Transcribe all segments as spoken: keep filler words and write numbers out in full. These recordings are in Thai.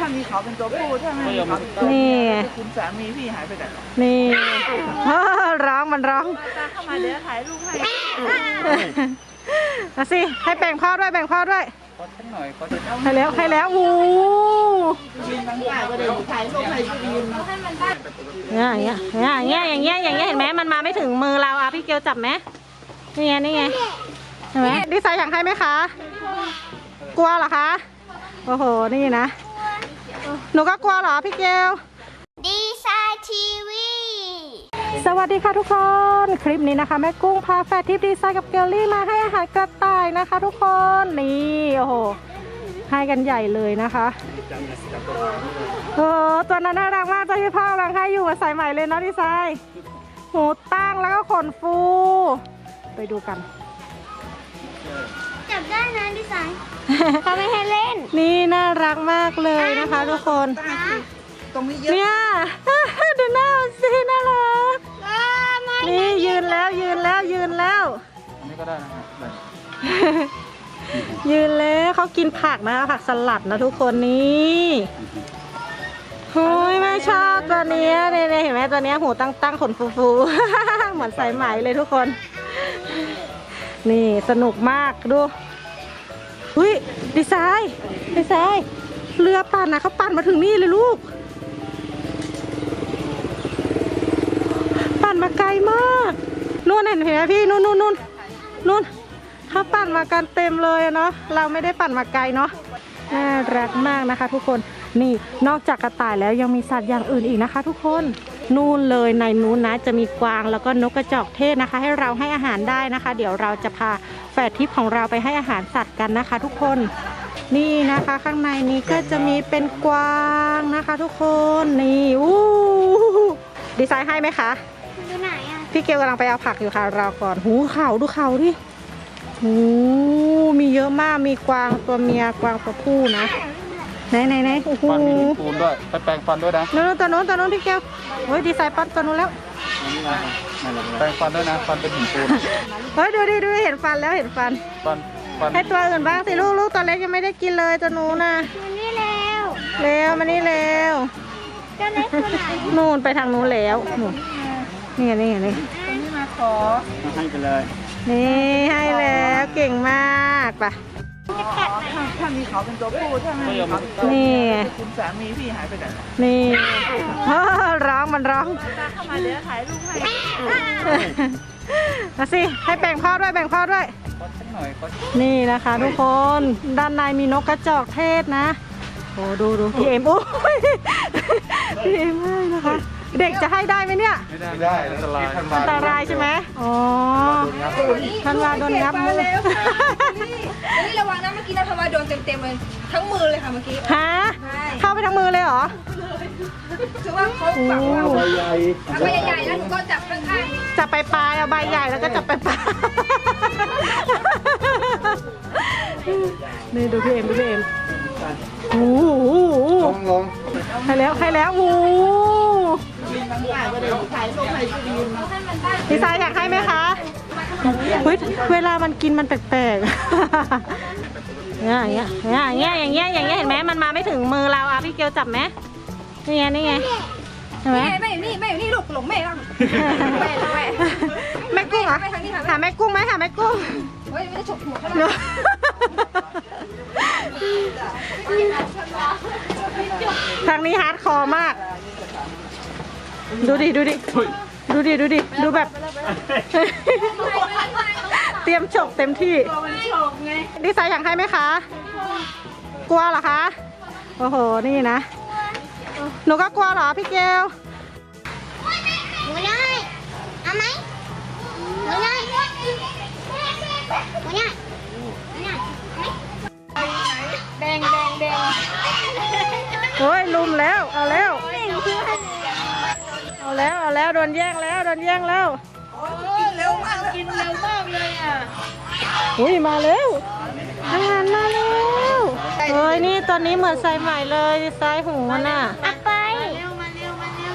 มีเขาเป็นตัวผู้ถ้าไม่มีเขาเป็นตัวเมียคุณสามีพี่หายไปไหนหรอนี่ร้องมันร้องเข้ามาเดี๋ยวถ่ายรูปให้เอาสิให้แบ่งพ่อด้วยแบ่งพ่อด้วยขอสักหน่อยขอให้แล้วให้แล้ววูยืนบางกายก็เดี๋ยวถ่ายรูปให้ยืนให้มันได้อย่างเงี้ยอย่างเงี้ยอย่างเงี้ยอย่างเงี้ยเห็นไหมมันมาไม่ถึงมือเราอ่ะพี่เกลจับไหมนี่ไงนี่ไงเห็นไหมดีไซน์อยากให้ไหมคะกลัวเหรอคะโอ้โหนี่นะหนูก็กลัวเหรอพี่เกลดีไซน์ทีวีสวัสดีค่ะทุกคนคลิปนี้นะคะแม่กุ้งพาแฟร์ทิปดีไซน์กับเกลลี่มาให้อาหารกระต่ายนะคะทุกคนนี่โอ้โหให้กันใหญ่เลยนะคะโอ้ตัวนั้นน่ารักมากตัวที่พ่อกำลังให้อยู่มาใส่ใหม่เลยเนาะดีไซน์หูตั้งแล้วก็ขนฟูไปดูกันจับได้นะดีไซน์เขาไม่ให้เล่นนี่น่ารักมากเลยนะคะทุกคนตรงนี้เยอะเนี่ยดูหน้าสิน่ารักนี่ยืนแล้วยืนแล้วยืนแล้วอันนี้ก็ได้นะครับยืนแล้วเขากินผักนะผักสลัดนะทุกคนนี่โอ้ยไม่ชอบตัวนี้เนี่ยเห็นไหมตัวนี้หูตั้งตั้งขนฟูๆเหมือนสายไหมเลยทุกคนนี่สนุกมากดูอุ้ยดีไซน์ดีไซน์เรือปั่นนะเขาปั่นมาถึงนี่เลยลูกปั่นมาไกลมากนู่นเห็นไหมพี่นู่นนู่นนู่นนู่นเขาปั่นมากันเต็มเลยเนาะเราไม่ได้ปั่นมาไกลเนาะน่ารักมากนะคะทุกคนนี่นอกจากกระต่ายแล้วยังมีสัตว์อย่างอื่นอีกนะคะทุกคนนู่นเลยในนู้นนะจะมีกวางแล้วก็นกกระจอกเทศนะคะให้เราให้อาหารได้นะคะเดี๋ยวเราจะพาแฝดทิพย์ของเราไปให้อาหารสัตว์กันนะคะทุกคนนี่นะคะข้างในนี้ก็จะมีเป็นกวางนะคะทุกคนนี่อู้ดีไซน์ให้ไหมคะดูไหนอ่ะพี่เกลกำลังไปเอาผักอยู่ค่ะรอก่อนหูเขาดูเขาดิหูมีเยอะมากมีกวางตัวเมียกวางตัวผู้นะไหนไหนไหนโอ้โหฟันมีหินปูนด้วยไปแปรงฟันด้วยนะนู้นตัวนู้นตัวนู้นพี่เกลเฮ้ยดีไซน์ปั้นตัวนู้นแล้วแปรงฟันด้วยนะฟันเป็นหินปูนเฮ้ยดูดิดูเห็นฟันแล้วเห็นฟันฟันฟันให้ตัวอื่นบ้างสิลูกลูกตัวเล็กยังไม่ได้กินเลยตัวนู้นนะมันนี่แล้วเร็วมานี่เร็วตัวเล็กตัวไหนนู่นไปทางนู้นแล้วนี่ไงนี่ไงนี่ตรงนี้มาขอให้ไปเลยนี่ให้แล้วเก่งมากป่ะถ้ามีเขาเป็นตัวผู้ถ้าไม่มีเขาเป็นตัวเมียคุณสามีพี่หายไปไหนหรอนี่ร้องมันร้องเข้ามาเดี๋ยวถ่ายรูปให้เอาสิให้แบ่งพ่อด้วยแบ่งพ่อด้วยขอสักหน่อยขอนี่นะคะทุกคนด้านในมีนกกระจอกเทศนะโอ้ดูดูพี่เอ็มโอ้ยพี่เอ็มให้นะคะเด็กจะให้ได้ไหมเนี่ยไม่ได้ไม่ได้อันตรายอันตรายใช่ไหมอ๋อทันวาโดนงับมือนี่ระวังนะเมื่อกี้นะทันวาโดนเต็มๆเลยทั้งมือเลยค่ะเมื่อกี้ฮะเข้าไปทั้งมือเลยเหรอคือว่าเขาแบบว่าใบใหญ่ใบใหญ่แล้วหนูก็จับข้างๆจับไปปลายเอาใบใหญ่แล้วก็จับไปปลายนี่ดูพี่เอ็มดูพี่เอ็มโอ้โหลงลงใครแล้วใครแล้วโอ้ดีไซน์อยากให้ไหมคะเฮ้ยเวลามันกินมันแปลกๆอย่างเงี้ยอย่างเงี้ยอย่างเงี้ยอย่างเงี้ยเห็นไหมมันมาไม่ถึงมือเราอ่ะพี่เกลจับไหมนี่ไงนี่ไงเห็นไหมแม่อยู่นี่แม่อยู่นี่ลูกหลงแม่แล้วแม่แม่แม่กุ้งเหรอหาแม่กุ้งไหมหาแม่กุ้งเฮ้ยไม่ได้ฉกหัวเขาเลยทางนี้ฮาร์ดคอร์มากดูดิดูดิดูดิดูดิดูแบบเตรียมฉกเต็มที่ดีไซน์อยากให้ไหมคะกลัวเหรอคะโอ้โหนี่นะหนูก็กลัวเหรอพี่เกลหนูได้เอาไหมหนูได้หนูได้หนูได้แดงแดงแดงโอ้ยลุมแล้วเอาแล้วเอาแล้วเอาแล้วโดนแย่งแล้วโดนแย่งแล้วเร็วมากกินเร็วมากเลยอ่ะอุ้ยมาแล้วอาหารมาแล้วเฮ้ยนี่ตอนนี้เหมือนใส่ใหม่เลยใส่หูมันอ่ะเอาไปเร็วมาเร็วมาเร็ว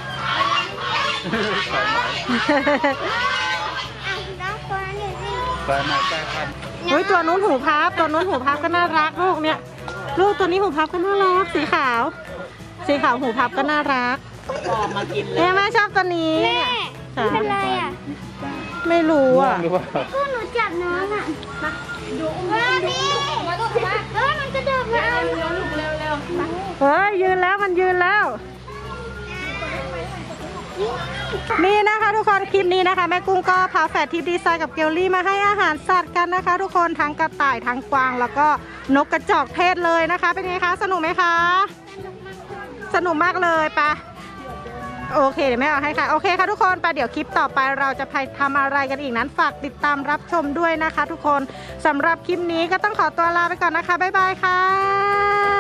น้องตัวนี้สิแปรงมาแปรงฟันเฮ้ยตัวนู้นหูพับตัวนู้นหูพับก็น่ารักลูกเนี่ยลูกตัวนี้หูพับก็น่ารักสีขาว สีขาวหูพับก็น่ารักออกมากินเลยเนี่ยแม่ชอบตัวนี้แม่ค่ะเป็นไรอ่ะไม่รู้อ่ะหรือว่าก็หนูจับน้องอ่ะมาดูมาพี่มาดูมาเออมันกระโดดมาเอาเร็วเร็วเร็วเฮ้ยยืนแล้วมันยืนแล้ว นี่นะคะทุกคนคลิปนี้นะคะแม่กุ้งก็พาแฝดทิพย์ดีไซน์กับเกลลี่มาให้อาหารสัตว์กันนะคะ ทุกคนทั้งกระต่ายทั้งกวางแล้วก็นกกระจอกเทศเลยนะคะ เป็นไงคะสนุกไหมคะสนุกมากเลยปะโอเคเดี๋ยวแม่เอาให้ค่ะโอเคค่ะทุกคนไปเดี๋ยวคลิปต่อไปเราจะไปทำอะไรกันอีกนั้นฝากติดตามรับชมด้วยนะคะ ทุกคนสำหรับคลิปนี้ก็ต้องขอตัวลาไปก่อนนะคะบ๊ายบายค่ะ